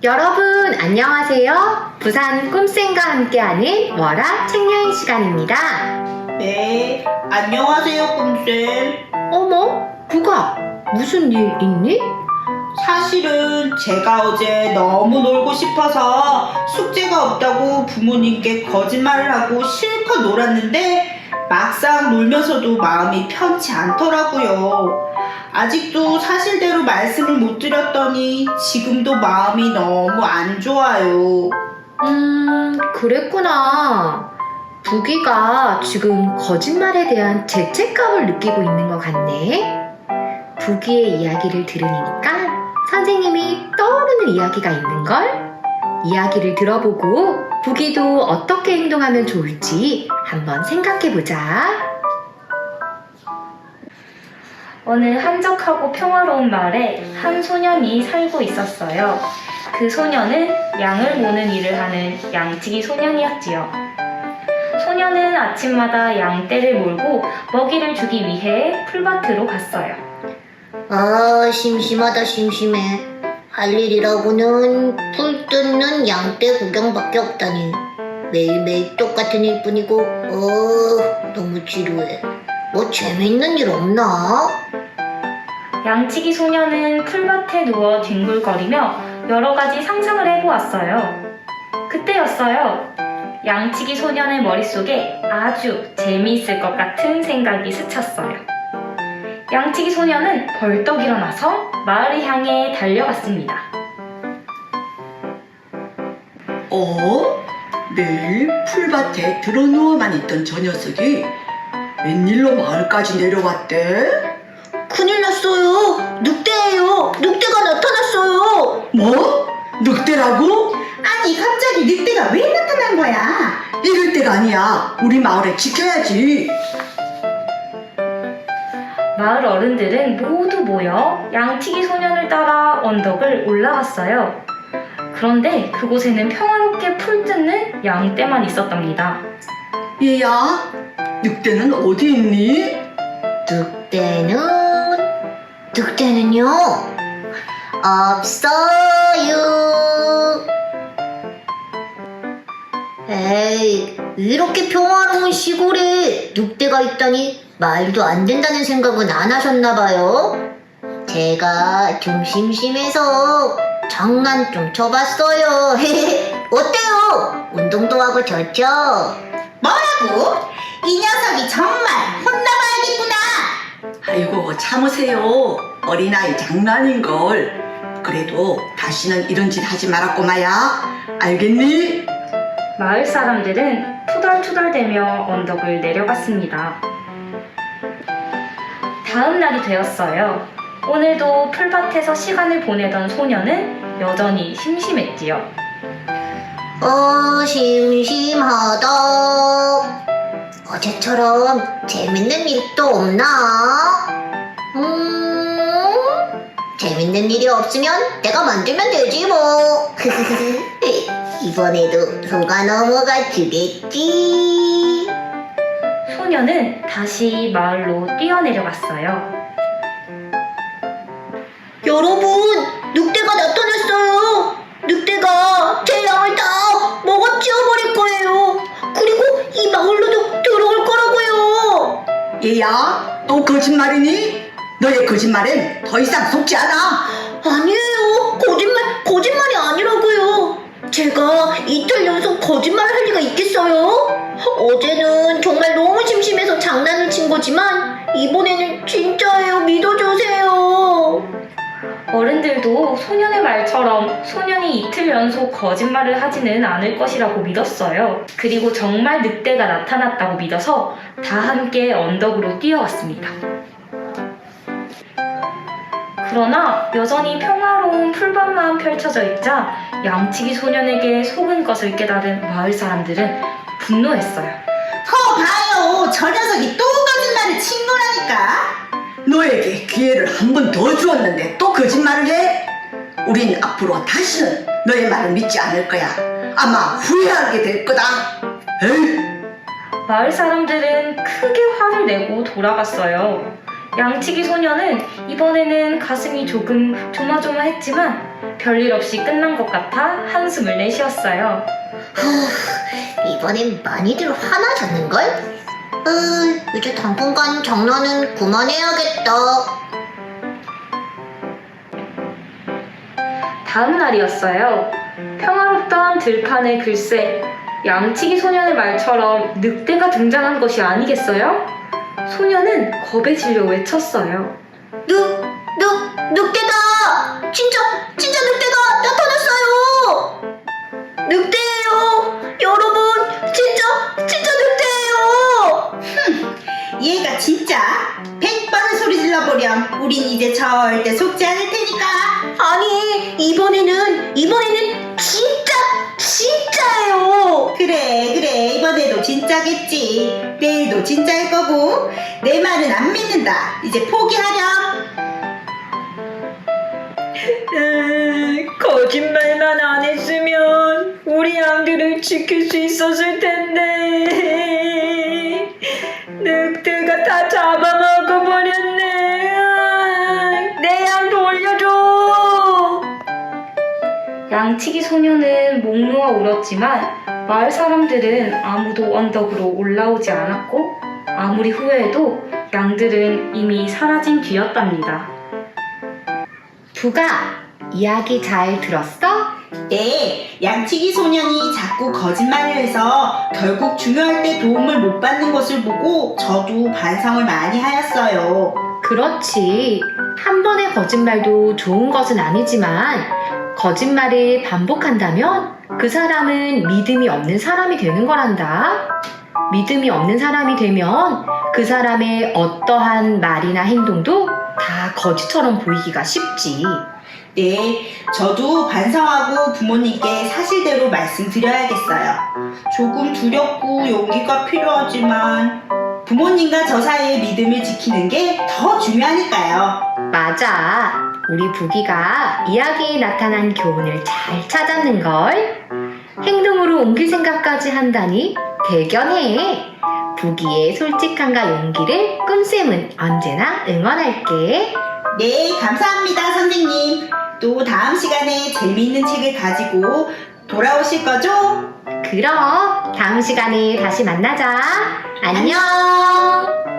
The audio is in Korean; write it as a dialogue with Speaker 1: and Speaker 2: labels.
Speaker 1: 여러분 안녕하세요. 부산 꿈쌤과 함께하는 월화 책여행 시간입니다.
Speaker 2: 네, 안녕하세요, 꿈쌤.
Speaker 1: 어머, 부가 무슨 일 있니?
Speaker 2: 사실은 제가 어제 너무 놀고 싶어서 숙제가 없다고 부모님께 거짓말을 하고 실컷 놀았는데 막상 놀면서도 마음이 편치 않더라고요. 아직도 사실대로 말씀을 못 드렸더니 지금도 마음이 너무 안 좋아요.
Speaker 1: 그랬구나. 부기가 지금 거짓말에 대한 죄책감을 느끼고 있는 것 같네. 부기의 이야기를 들으니까 선생님이 떠오르는 이야기가 있는걸? 이야기를 들어보고 부기도 어떻게 행동하면 좋을지 한번 생각해보자.
Speaker 3: 어느 한적하고 평화로운 마을에 한 소년이 살고 있었어요. 그 소년은 양을 모는 일을 하는 양치기 소년이었지요. 소년은 아침마다 양떼를 몰고 먹이를 주기 위해 풀밭으로 갔어요.
Speaker 4: 아, 심심하다 심심해. 할 일이라고는 풀 뜯는 양떼 구경밖에 없다니. 매일매일 똑같은 일뿐이고 너무 지루해. 뭐 재밌는 일 없나?
Speaker 3: 양치기 소년은 풀밭에 누워 뒹굴거리며 여러 가지 상상을 해보았어요. 그때였어요. 양치기 소년의 머릿속에 아주 재미있을 것 같은 생각이 스쳤어요. 양치기 소년은 벌떡 일어나서 마을을 향해 달려갔습니다.
Speaker 5: 내일 풀밭에 드러누워만 있던 저 녀석이 웬일로 마을까지 내려왔대?
Speaker 4: 큰일 났어요. 늑대예요. 늑대가 나타났어요.
Speaker 5: 뭐? 늑대라고?
Speaker 2: 아니, 갑자기 늑대가 왜 나타난 거야?
Speaker 5: 이럴 때가 아니야. 우리 마을에 지켜야지.
Speaker 3: 마을 어른들은 모두 모여 양치기 소년을 따라 언덕을 올라갔어요. 그런데 그곳에는 평화롭게 풀 뜯는 양떼만 있었답니다.
Speaker 5: 얘야, 늑대는 어디 있니?
Speaker 4: 늑대는요? 없어요. 에이, 이렇게 평화로운 시골에 늑대가 있다니 말도 안 된다는 생각은 안 하셨나봐요. 제가 좀 심심해서 장난 좀 쳐봤어요. 어때요? 운동도 하고 좋죠?
Speaker 2: 뭐라고? 이 녀석이 정말 혼나봐야겠구나.
Speaker 5: 아이고, 참으세요. 어린아이 장난인걸. 그래도 다시는 이런 짓 하지 말았꼬마야. 알겠니?
Speaker 3: 마을 사람들은 투덜투덜대며 언덕을 내려갔습니다. 다음 날이 되었어요. 오늘도 풀밭에서 시간을 보내던 소녀는 여전히 심심했지요.
Speaker 4: 심심하다. 어제처럼 재밌는 일도 없나? 재밌는 일이 없으면 내가 만들면 되지 뭐. 이번에도 소가 넘어가 주겠지.
Speaker 3: 소녀는 다시 마을로 뛰어내려갔어요.
Speaker 4: 여러분, 늑대가 나타났어요. 늑대가 제 양을 다 먹어치워버릴 거예요. 그리고 이 마을로도 들어올 거라고요.
Speaker 5: 얘야, 또 거짓말이니? 너의 거짓말엔 더 이상 속지 않아.
Speaker 4: 아니에요. 거짓말이 아니라고요. 제가 이틀 연속 거짓말을 할 리가 있겠어요? 어제는 정말 너무 심심해서 장난을 친 거지만 이번에는 진짜예요. 믿어주세요.
Speaker 3: 어른들도 소년의 말처럼 소년이 이틀 연속 거짓말을 하지는 않을 것이라고 믿었어요. 그리고 정말 늑대가 나타났다고 믿어서 다 함께 언덕으로 뛰어갔습니다. 그러나 여전히 평화로운 풀밭만 펼쳐져 있자 양치기 소년에게 속은 것을 깨달은 마을 사람들은 분노했어요.
Speaker 2: 봐요. 저 녀석이 또 거짓말을 친 거라니까.
Speaker 5: 너에게 기회를 한 번 더 주었는데 또 거짓말을 해? 우린 앞으로 다시는 너의 말을 믿지 않을 거야. 아마 후회하게 될 거다. 에이.
Speaker 3: 마을 사람들은 크게 화를 내고 돌아갔어요. 양치기 소녀는 이번에는 가슴이 조금 조마조마했지만 별일 없이 끝난 것 같아 한숨을 내쉬었어요.
Speaker 4: 이번엔 많이들 화나셨는걸? 이제 당분간 장난은 그만해야겠다.
Speaker 3: 다음 날이었어요. 평화롭던 들판에 글쎄 양치기 소년의 말처럼 늑대가 등장한 것이 아니겠어요? 소년은 겁에 질려 외쳤어요.
Speaker 4: 늑대다! 진짜 늑대가 나타났어요! 늑대예요! 여러분, 진짜 늑대예요!
Speaker 2: 얘가 진짜 100번을 소리 질러보렴. 우린 이제 절대 속지 않을 테니까.
Speaker 4: 아니, 이번에는 진짜예요!
Speaker 2: 그래 이번에도 진짜겠지. 내일도 진짜일 거고. 내 말은 안 믿는다. 이제 포기하렴.
Speaker 3: 거짓말만 안 했으면 우리 양들을 지킬 수 있었을 텐데 늑대가 다 잡아먹어버렸네. 내 양 돌려줘. 양치기 소녀는 목 놓아 울었지만 마을 사람들은 아무도 언덕으로 올라오지 않았고 아무리 후회해도 양들은 이미 사라진 뒤였답니다.
Speaker 1: 부가 이야기 잘 들었어?
Speaker 2: 네, 양치기 소년이 자꾸 거짓말을 해서 결국 중요할 때 도움을 못 받는 것을 보고 저도 반성을 많이 하였어요.
Speaker 1: 그렇지. 한 번의 거짓말도 좋은 것은 아니지만 거짓말을 반복한다면 그 사람은 믿음이 없는 사람이 되는 거란다. 믿음이 없는 사람이 되면 그 사람의 어떠한 말이나 행동도 다 거짓처럼 보이기가 쉽지.
Speaker 2: 네, 저도 반성하고 부모님께 사실대로 말씀드려야겠어요. 조금 두렵고 용기가 필요하지만 부모님과 저 사이의 믿음을 지키는 게 더 중요하니까요.
Speaker 1: 맞아. 우리 부기가 이야기에 나타난 교훈을 잘 찾았는걸. 행동으로 옮길 생각까지 한다니 대견해. 부기의 솔직함과 용기를 꿈쌤은 언제나 응원할게.
Speaker 2: 네, 감사합니다, 선생님. 또 다음 시간에 재미있는 책을 가지고 돌아오실 거죠?
Speaker 1: 그럼 다음 시간에 다시 만나자. 안녕.